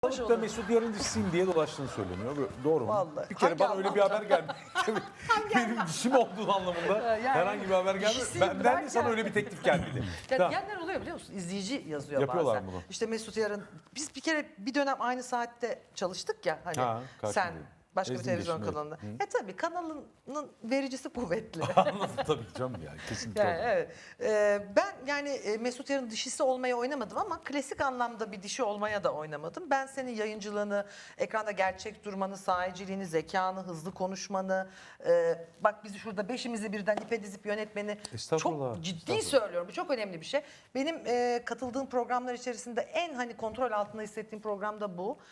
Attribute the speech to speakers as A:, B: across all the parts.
A: Da Mesut Yarın dişisiyim diye dolaştığını söyleniyor. Doğru mu?
B: Vallahi.
A: Bir kere
B: Hangi
A: bana öyle bir
B: anlamda?
A: haber geldi. Benim dişim olduğu anlamında
B: Yani
A: herhangi bir haber geldi.
B: dişisiyim
A: Benden de sana
B: derken-
A: öyle bir teklif geldi.
B: Ya
A: Tamam.
B: diyenler oluyor biliyor musun? İzleyici yazıyor
A: Yapıyorlar
B: bazen.
A: bunu.
B: İşte Mesut Yarın, biz bir kere bir dönem aynı saatte çalıştık ya hani
A: Ha,
B: sen
A: karşımdayım.
B: başka bir
A: Ezgi
B: televizyon
A: Yeşim, evet.
B: kanalında. Tabii kanalının vericisi kuvvetli.
A: Anladım tabii canım ya. Kesinlikle.
B: Yani evet. Ben yani Mesut Yarın dişisi olmaya oynamadım ama klasik anlamda bir dişi olmaya da oynamadım. Ben senin yayıncılığını, ekranda gerçek durmanı, sahiciliğini, zekanı, hızlı konuşmanı, bak bizi şurada beşimizi birden ipe dizip yönetmeni
A: Estağfurullah,
B: çok ciddi
A: estağfurullah.
B: söylüyorum. Bu çok önemli bir şey. Benim katıldığım programlar içerisinde en hani kontrol altında hissettiğim program da bu.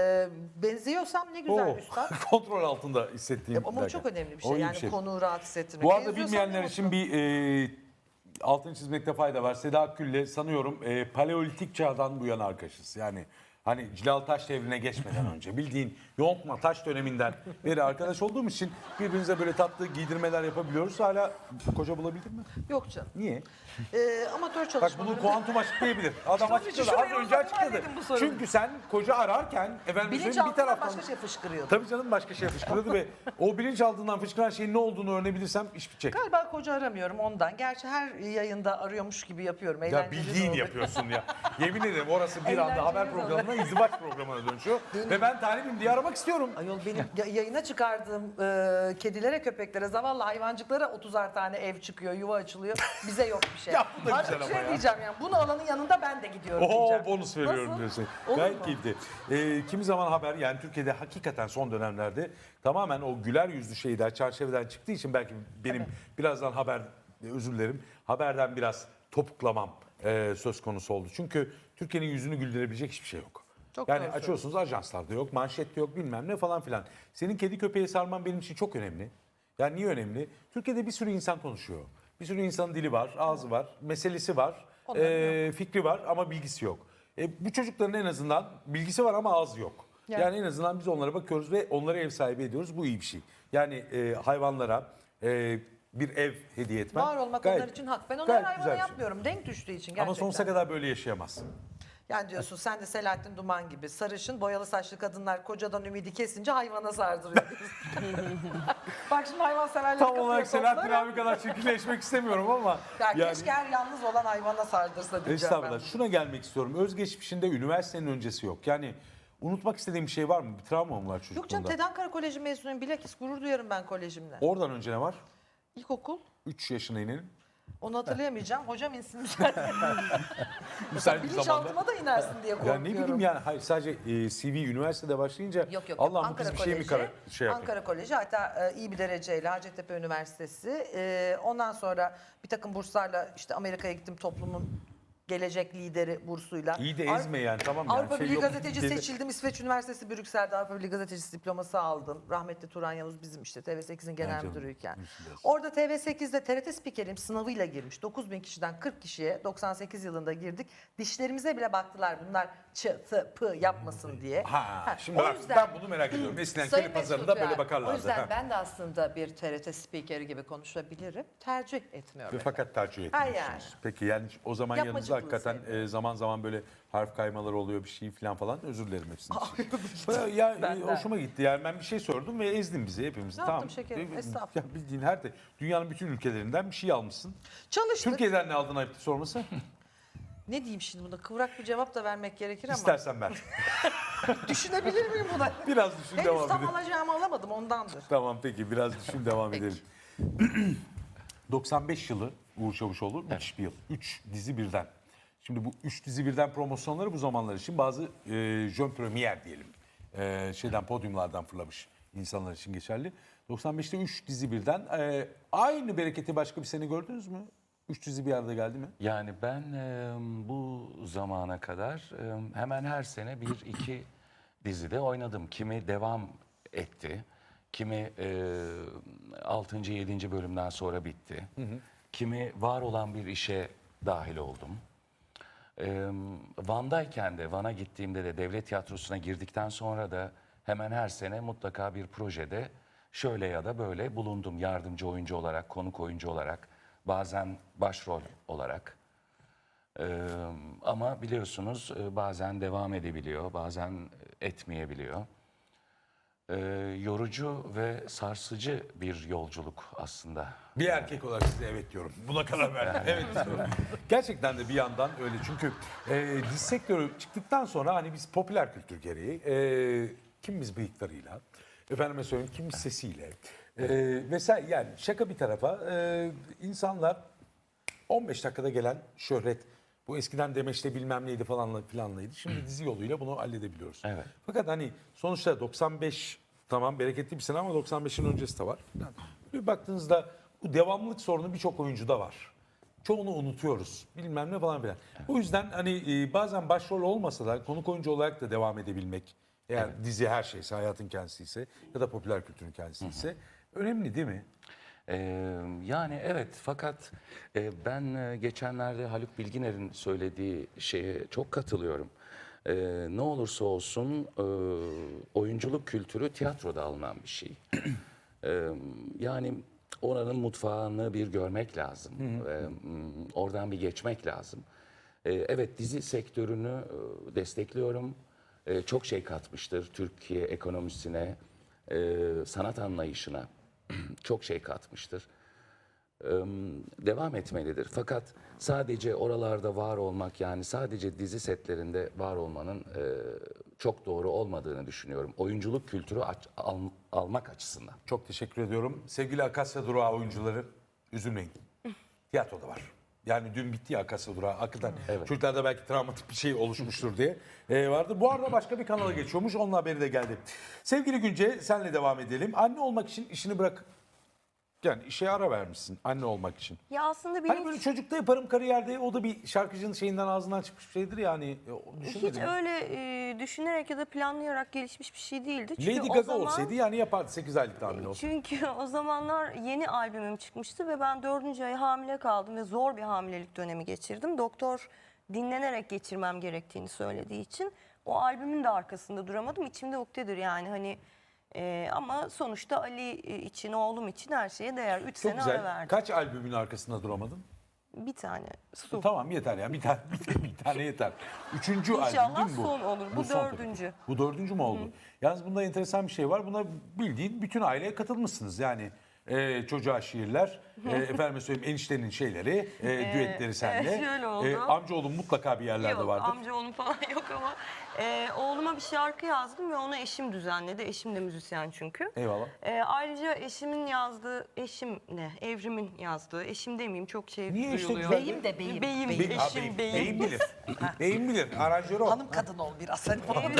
B: Benziyorsam ne güzel üstad.
A: Kontrol altında hissettiğim.
B: Ama bu
A: derken.
B: çok önemli bir
A: O
B: şey.
A: iyi
B: Yani
A: bir şey.
B: konuğu rahat hissettirmek.
A: Bu arada
B: Benziyorsam
A: bilmeyenler
B: ne
A: için
B: mutlu.
A: bir altını çizmekte fayda var. Seda Akgül'le sanıyorum paleolitik çağdan bu yana arkadaşız. Yani hani Cilal Taş devrine geçmeden önce bildiğin yontma taş döneminden beri arkadaş olduğum için birbirimize böyle tatlı giydirmeler yapabiliyoruz. Hala koca bulabildin mi?
B: Yok canım.
A: Niye?
B: Amatör
A: Bak
B: çalışmaları.
A: bunu kuantum açıklayabilir. Adam
B: Tabii,
A: açıkladı.
B: şuraya
A: Az önce
B: uzatma
A: açıkladı.
B: dedim bu soruyu.
A: Çünkü sen koca ararken efendim söyleyeyim, bir
B: Bilinçaltından
A: taraftan...
B: başka şey fışkırıyordu.
A: Tabii canım başka şey fışkırıyordu ve o bilinçaltından fışkıran şeyin ne olduğunu öğrenebilirsem iş bitecek.
B: Galiba koca aramıyorum ondan. Gerçi her yayında arıyormuş gibi yapıyorum.
A: Ya
B: Eğlenceli
A: bildiğin
B: de olur.
A: yapıyorsun ya. Yemin ederim orası bir anda
B: Eğlenceli
A: haber
B: de
A: programına, izdivaç programına dönüşüyor. Ve ben talibim diye aramak istiyorum.
B: Ayol benim yayına çıkardığım kedilere, köpeklere, zavallı hayvancıklara 30'ar tane ev çıkıyor, yuva açılıyor. Bize yok bir şey.
A: Ya bu da
B: Artık
A: güzel ama
B: şey
A: ya.
B: diyeceğim yani. Bunu alanın yanında ben de gidiyorum
A: Oo
B: diyeceğim.
A: bonus veriyorum
B: Nasıl?
A: diyorsun.
B: Olur
A: Gayet
B: mu?
A: keyifli. Kimi zaman haber yani Türkiye'de hakikaten son dönemlerde tamamen o güler yüzlü şeyler çerçeveden çıktığı için belki benim birazdan haber özür dilerim haberden biraz topuklamam söz konusu oldu. Çünkü Türkiye'nin yüzünü güldürebilecek hiçbir şey yok.
B: Çok
A: Yani
B: doğru
A: açıyorsunuz ajanslarda yok, manşette yok bilmem ne falan filan. Senin kedi köpeği sarman benim için çok önemli. Yani niye önemli? Türkiye'de bir sürü insan konuşuyor. Bir sürü insanın dili var, ağzı var, meselesi var,
B: Onların
A: fikri var ama bilgisi yok. Bu çocukların en azından bilgisi var ama ağzı yok. Yani en azından biz onlara bakıyoruz ve onlara ev sahibi ediyoruz. Bu iyi bir şey. Yani hayvanlara bir ev hediye etmek.
B: Var olmak
A: gayet-
B: onlar için hak. Ben onları
A: gayet
B: hayvana
A: güzel bir şey.
B: yapmıyorum. Denk düştüğü için gerçekten.
A: Ama sonsuza kadar böyle yaşayamazsın.
B: Yani diyorsun sen de Selahattin Duman gibi sarışın boyalı saçlı kadınlar kocadan ümidi kesince hayvana sardırıyor diyorsun. Bak şimdi hayvan severler
A: Tam olarak Selahattin abi kadar çirkinleşmek istemiyorum ama.
B: Yani keşke her yalnız olan hayvana sardırsa diyeceğim ben.
A: Estağfurullah. Şuna gelmek istiyorum. Özgeçmişinde üniversitenin öncesi yok. Yani unutmak istediğim bir şey var mı? Bir travma mı var
B: Yok canım
A: çocukluğunda?
B: TED Ankara Koleji mezunuyum. Bilakis gurur duyarım ben kolejimle.
A: Oradan önce ne var?
B: İlkokul.
A: 3 yaşına inelim.
B: Onu hatırlayamayacağım. Hocam insin müsaade.
A: Müsait bir zamanda.
B: Bilinçaltıma da inersin diye
A: Ya
B: korkuyorum.
A: ne bileyim yani hayır sadece CV üniversitede başlayınca
B: Yok.
A: Allah'ım bu
B: Ankara
A: kız bir şey mi
B: Koleji,
A: şey yapayım.
B: Ankara Koleji hatta iyi bir dereceyle Hacettepe Üniversitesi. Ondan sonra bir takım burslarla işte Amerika'ya gittim toplumun gelecek lideri bursuyla.
A: İyi de ezme yani tamam yani.
B: Avrupa
A: şey
B: Birliği
A: yok.
B: gazeteci seçildim. İsveç Üniversitesi Brüksel'de Avrupa Birliği gazetecisi diploması aldım. Rahmetli Turan Yavuz bizim işte TV8'in genel
A: canım,
B: müdürüyken.
A: üzülüyorsun.
B: Orada TV8'de TRT spikeriyim sınavıyla girmiş. 9.000 kişiden 40 kişiye 98 yılında girdik. Dişlerimize bile baktılar bunlar çı, tı, pı yapmasın diye.
A: Şimdi
B: o
A: bak
B: yüzden-
A: ben bunu merak ediyorum. Eskiden
B: Sayın
A: Keli Pazarı'nda
B: Mesut
A: böyle
B: ya,
A: bakarlardı.
B: O yüzden
A: Ha.
B: ben de aslında bir TRT spikeri gibi konuşabilirim. Tercih etmiyorum.
A: Ve fakat tercih
B: Ha,
A: etmiyorsunuz.
B: yani.
A: Peki yani o zaman yanınızda
B: Yapmacıklığı
A: hakikaten
B: sevmiyorum.
A: zaman zaman böyle harf kaymaları oluyor bir şey falan özür dilerim hepsinin için. Ya
B: Ben de.
A: hoşuma gitti yani ben bir şey sordum ve ezdin bizi hepimizi.
B: Ne
A: Tamam.
B: yaptım şekerim? Estağfurullah.
A: Ya bildiğin dünyanın bütün ülkelerinden bir şey almışsın.
B: Çalıştık.
A: Türkiye'den ne aldın ayıptı sorması?
B: Ne diyeyim şimdi buna? Kıvrak bir cevap da vermek gerekir ama.
A: İstersen ver.
B: Düşünebilir miyim buna?
A: Biraz düşün
B: Henüz
A: devam
B: tam
A: edelim.
B: alacağımı alamadım ondandır.
A: Tamam peki biraz düşün devam
B: Peki.
A: edelim. 95 yılı Uğur Çavuşoğlu müthiş bir yıl. 3 dizi birden. Şimdi bu 3 dizi birden promosyonları bu zamanlar için bazı jön premier diyelim. Şeyden podyumlardan fırlamış insanlar için geçerli. 95'te 3 dizi birden. Aynı bereketi başka bir sene gördünüz mü? 3 dizi bir arada geldi mi?
C: Yani ben bu zamana kadar hemen her sene bir iki dizide oynadım. Kimi devam etti, kimi 6. 7. bölümden sonra bitti. Kimi var olan bir işe dahil oldum. Van'dayken de, Van'a gittiğimde de devlet tiyatrosuna girdikten sonra da hemen her sene mutlaka bir projede şöyle ya da böyle bulundum. Yardımcı oyuncu olarak, konuk oyuncu olarak, bazen başrol olarak. Ama biliyorsunuz bazen devam edebiliyor, bazen etmeyebiliyor. Yorucu ve sarsıcı bir yolculuk aslında.
A: Bir erkek olarak size evet diyorum. Buna karar verdim. Evet diyorum. Gerçekten de bir yandan öyle. Çünkü dizi sektörü çıktıktan sonra hani biz popüler kültür gereği kimimiz bıyıklarıyla, efendime söyleyeyim kimimiz sesiyle vesaire yani şaka bir tarafa insanlar 15 dakikada gelen şöhret bu eskiden demeçte bilmem neydi falanla filanlaydı. Şimdi dizi yoluyla bunu halledebiliyoruz.
C: Evet.
A: Fakat hani sonuçta 95 tamam bereketli bir sene ama 95'in öncesi de var. Yani bir baktığınızda bu devamlılık sorunu birçok oyuncuda var. Çoğunu unutuyoruz. Bilmem ne falan filan. O yüzden hani bazen başrol olmasa da konuk oyuncu olarak da devam edebilmek eğer dizi her şeyse, hayatın kendisi ise ya da popüler kültürün kendisi ise önemli değil mi?
C: Yani evet fakat ben geçenlerde Haluk Bilginer'in söylediği şeye çok katılıyorum. Ne olursa olsun oyunculuk kültürü tiyatroda alınan bir şey. Yani oranın mutfağını bir görmek lazım. Oradan bir geçmek lazım. Evet dizi sektörünü destekliyorum. Çok şey katmıştır Türkiye ekonomisine, sanat anlayışına. Çok şey katmıştır. Devam etmelidir. Fakat sadece oralarda var olmak yani sadece dizi setlerinde var olmanın çok doğru olmadığını düşünüyorum. Oyunculuk kültürü almak açısından.
A: Çok teşekkür ediyorum. Sevgili Akasya Durağı oyuncuları üzülmeyin. Tiyatroda var. Yani dün bitti ya Akasya Durağı. Hakikaten çocuklarda belki travmatik bir şey oluşmuştur diye vardı. Bu arada başka bir kanala geçiyormuş. Onun haberi de geldi. Sevgili Günce senle devam edelim. Anne olmak için işini bırak. Yani işe ara vermişsin anne olmak için.
D: Ya aslında
A: Hani
D: benim
A: böyle çocukta yaparım kariyerde o da bir şarkıcının şeyinden ağzından çıkmış bir şeydir yani.
D: hiç öyle düşünerek ya da planlayarak gelişmiş bir şey değildi. Çünkü
A: Lady
D: o
A: Gaga
D: zaman,
A: olsaydı yani yapardı 8 aylık tahmin olsa.
D: Çünkü o zamanlar yeni albümüm çıkmıştı ve ben 4. ay hamile kaldım ve zor bir hamilelik dönemi geçirdim. Doktor dinlenerek geçirmem gerektiğini söylediği için o albümün de arkasında duramadım. İçimde ukdedir yani hani ama sonuçta Ali için, oğlum için her şeye değer. 3
A: Çok
D: sene ara
A: güzel.
D: verdim.
A: Kaç albümün arkasında duramadın?
D: Bir tane. Su.
A: Tamam yeter ya. Bir tane, bir tane yeter. Üçüncü albüm
D: İnşallah
A: değil mi bu?
D: son olur. Bu
A: son tabii.
D: dördüncü.
A: Bu dördüncü mü oldu? Yalnız bunda enteresan bir şey var. Buna bildiğin bütün aileye katılmışsınız. Yani çocuğa şiirler, efendime söyleyeyim eniştenin şeyleri, düetleri seninle.
D: şöyle oldu.
A: Amcaoğlum mutlaka bir yerlerde
D: Yok,
A: vardır.
D: amcaoğlum falan yok ama oğluma bir şarkı yazdım ve onu eşim düzenledi. Eşim de müzisyen çünkü.
A: Eyvallah.
D: Ayrıca eşimin yazdığı, eşim ne? Evrimin yazdığı, eşim demeyeyim çok şey
A: Niye işte
D: duyuluyor.
A: güzel?
B: Beyim de beyim.
D: Beyim,
B: Beyim.
D: eşim beyim.
A: Beyim bilir. Beyim bilir. Aranjör o.
B: Hanım kadın ol biraz. Hani falan.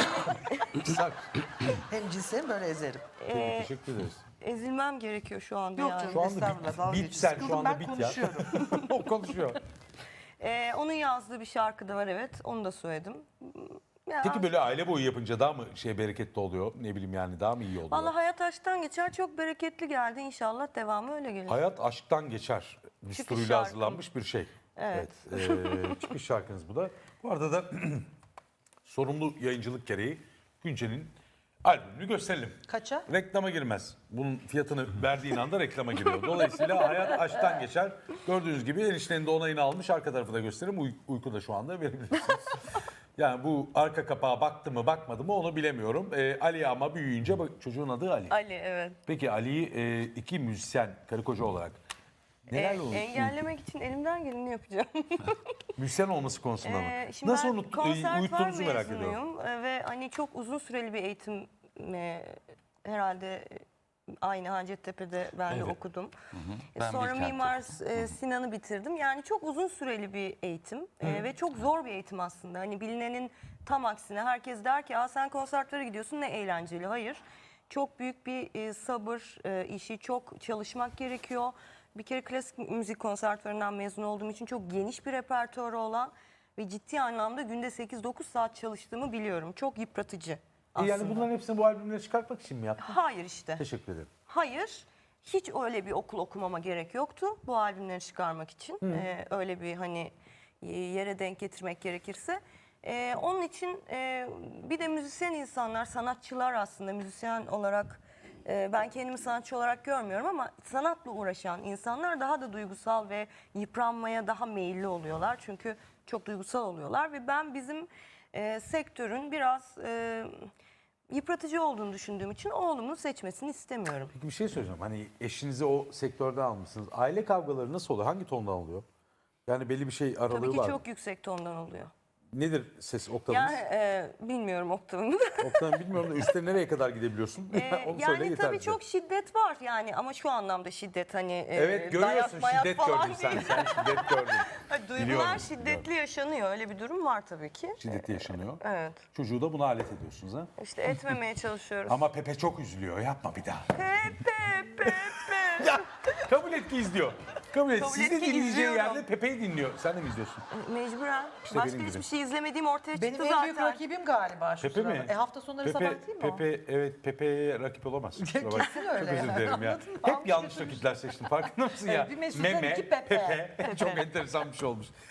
B: Hem cinsiyim böyle ezerim.
A: Teşekkür ederiz.
D: Ezilmem gerekiyor şu anda
B: Yok
D: yani.
B: canım
A: Şu anda
B: estağfurullah. dalga
A: bit
B: geçiyorsun.
A: sen şu
B: Sıkıldım,
A: anda
B: ben
A: bit ya.
B: konuşuyorum.
A: O konuşuyor.
D: Onun yazdığı bir şarkı da var evet. Onu da söyledim. Ya,
A: Peki böyle aile boyu yapınca daha mı bereketli oluyor? Ne bileyim yani daha mı iyi oluyor?
D: vallahi hayat aşktan geçer. Çok bereketli geldi. İnşallah devamı öyle gelir.
A: Hayat aşktan geçer. Düsturuyla
D: şarkım.
A: hazırlanmış bir şey.
D: Evet.
A: Çıkış şarkınız bu da. Bu arada da sorumlu yayıncılık gereği Günce'nin albümünü gösterelim.
B: Kaça?
A: Reklama girmez. Bunun fiyatını verdiğin anda reklama giriyor. Dolayısıyla hayat aşktan geçer. Gördüğünüz gibi eniştenin de onayını almış. Arka tarafı da göstereyim. Uykuda şu anda verebilirsiniz. Yani bu arka kapağa baktı mı bakmadı mı onu bilemiyorum. Ali ama büyüyünce çocuğun adı Ali.
D: Ali evet.
A: Peki Ali'yi iki müzisyen karı koca olarak neler olur?
D: Engellemek için elimden geleni yapacağım.
A: Müzisyen olması konusunda mı?
D: Şimdi
A: Nasıl
D: ben
A: uyuttuğunuzu merak ediyorum.
D: mezunuyum ve hani çok uzun süreli bir eğitim herhalde aynı Hacettepe'de ben de
A: Evet.
D: okudum.
C: Ben
D: Sonra
C: Bilkent'te
D: Mimar Sinan'ı bitirdim. Yani çok uzun süreli bir eğitim ve çok zor bir eğitim aslında. Hani bilinenin tam aksine herkes der ki sen konsertlere gidiyorsun ne eğlenceli. Hayır. Çok büyük bir sabır işi, çok çalışmak gerekiyor. Bir kere klasik müzik konservatuvarından mezun olduğum için çok geniş bir repertuarı olan ve ciddi anlamda günde 8-9 saat çalıştığımı biliyorum. Çok yıpratıcı aslında.
A: Yani bunların hepsini bu albümleri çıkartmak için mi yaptın?
D: Hayır işte.
A: Teşekkür ederim.
D: Hayır. Hiç öyle bir okul okumama gerek yoktu bu albümleri çıkarmak için. Öyle bir hani yere denk getirmek gerekirse. Onun için bir de müzisyen insanlar, sanatçılar aslında müzisyen olarak ben kendimi sanatçı olarak görmüyorum ama sanatla uğraşan insanlar daha da duygusal ve yıpranmaya daha meyilli oluyorlar. Çünkü Çok duygusal oluyorlar ve ben bizim sektörün biraz yıpratıcı olduğunu düşündüğüm için oğlumun seçmesini istemiyorum.
A: Peki bir şey söyleyeceğim. Hani eşinizi o sektörde almışsınız. Aile kavgaları nasıl oluyor? Hangi tondan oluyor? Yani belli bir şey aralığı
D: Tabii ki
A: var mı?
D: çok yüksek tondan oluyor.
A: Nedir ses oktavınız?
D: Yani bilmiyorum oktavını.
A: Oktavını bilmiyorum da üstte nereye kadar gidebiliyorsun? Onu söyle
D: Yani
A: yeter
D: tabii
A: bize.
D: çok şiddet var yani ama şu anlamda şiddet hani
A: Evet görüyorsun
D: dayak mayak
A: şiddet
D: falan
A: gördün sen.
D: değil.
A: Sen şiddet gördün.
D: Hani
A: Biliyorum,
D: duygular şiddetli yaşanıyor, öyle bir durum var tabii ki.
A: Şiddeti yaşanıyor.
D: Evet,
A: Çocuğu da buna alet ediyorsunuz ha.
D: işte etmemeye çalışıyoruz.
A: Ama Pepe çok üzülüyor. Yapma bir daha.
D: Pepe.
A: Ya kabul et ki izliyor. Kabul et.
D: Kabul
A: Siz
D: et
A: de
D: ki
A: dinleyeceği
D: izliyorum.
A: yerde Pepe'yi dinliyor. Sen de mi izliyorsun?
D: Mecburen.
A: İşte
D: Başka
A: benim
D: hiçbir
A: gibi.
D: şey izlemediğim ortaya
B: Benim
D: çıktı
B: en
D: zaten.
B: büyük rakibim galiba şu
A: Pepe mi?
B: sırada. Hafta sonları sabah değil mi o?
A: Pepe evet Pepe'ye rakip olamaz. Kusura bakma.
B: Kesin öyle
A: Çok özür
B: yani.
A: dilerim ya.
B: Anladın mı?
A: Hep
B: Almış
A: yanlış
B: götürmüş.
A: rakipler seçtim. Farkında mısın ya?
B: Evet, bir Mesut'tan iki Pepe.
A: Çok enteresan bir şey olmuş.